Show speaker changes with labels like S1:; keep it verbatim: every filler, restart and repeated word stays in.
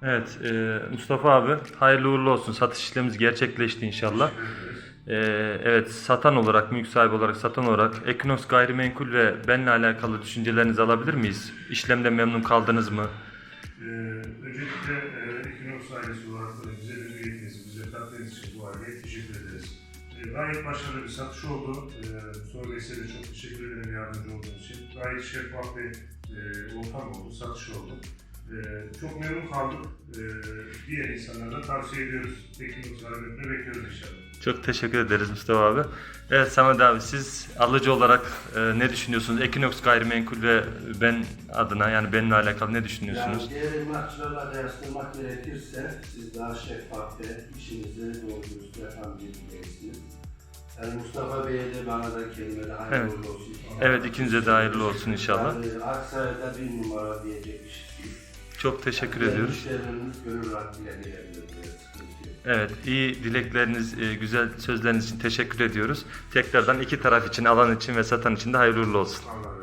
S1: Evet, e, Mustafa abi hayırlı uğurlu olsun. Satış işlemimiz gerçekleşti inşallah. E, evet, satan olarak, mülk sahibi olarak, satan olarak Ekinoks Gayrimenkul ve benimle alakalı düşüncelerinizi alabilir miyiz? İşlemden memnun kaldınız mı?
S2: Ee, öncelikle e, Ekinoks ailesi olarak da bize memnuniyetinizi, bize kattığınız için bu aileye teşekkür ederiz. E, gayet başarılı bir satış oldu. E, Sonra Bey'e de çok teşekkür ederim yardımcı olduğunuz için. Gayet şeffaf bir e, ortam oldu, satış oldu. E, çok memnun kaldık. E, diğer insanlara da tavsiye ediyoruz. Ekinoks ailesine bekliyoruz inşallah.
S1: Çok teşekkür ederiz Mustafa abi. Evet Samet abi, siz alıcı olarak e, ne düşünüyorsunuz? Ekinoks Gayrimenkul ve ben adına, yani benimle alakalı ne düşünüyorsunuz?
S3: Yani diğer emlakçılarla kıyaslamak gerekirse siz daha şeffaf ve işinizi doğru dürüst yapan bir bireysiniz. Yani Mustafa Bey'e de bana da kelime de hayırlı
S1: Evet.
S3: uğurlu olsun.
S1: Evet, ikinize de hayırlı olsun inşallah.
S3: Yani Aksaray'da bir numara diyecek iş değil.
S1: Çok teşekkür
S3: Yani
S1: ediyoruz.
S3: müşterilerimiz gönül rahatlığıyla gelebilir diye sıkıntı yok.
S1: Evet, iyi dilekleriniz, e, güzel sözleriniz için teşekkür ediyoruz. Tekrardan iki taraf için, alan için ve satan için de hayırlı uğurlu olsun.
S2: Allah